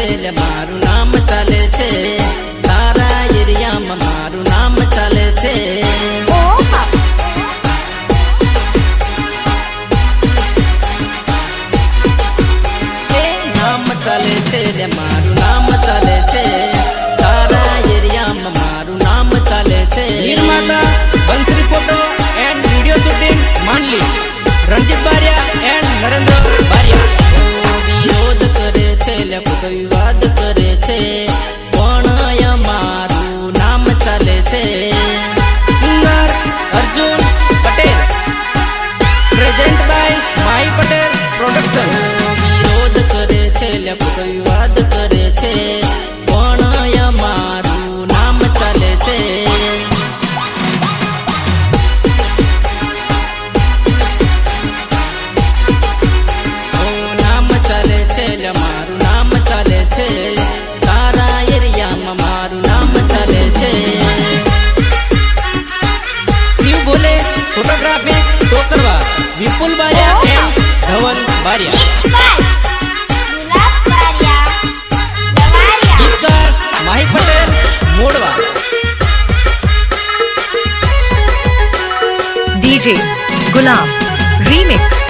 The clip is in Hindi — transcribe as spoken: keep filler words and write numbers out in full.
ले मारू नाम चाले छे तारा एरिया में मारू नाम चाले छे नाम चाले छे ले मारू नाम चाले छे तारा एरिया में मारू नाम चाले छे निर्माता Bansari photo and video shooting मांडली रणजीत बारिया एंड नरेंद्र बारिया विरोध करे छे ले कोई विवाद करे छे पण मारू नाम चाले छे singer Arjun Patel present by Mahi Patel production विरोध करे छे ले कोई विवाद करे छे पण मारू नाम चाले छे नाम चाले छे ले मारू नाम चाले छे तारा एरिया में मारू नाम चाले छे शिव बोले photography टोकरवा Vipul Bariya and Dhaval Bariya गीतकार माही पटेल मोड़वा डीजे गुलाम रीमिक्स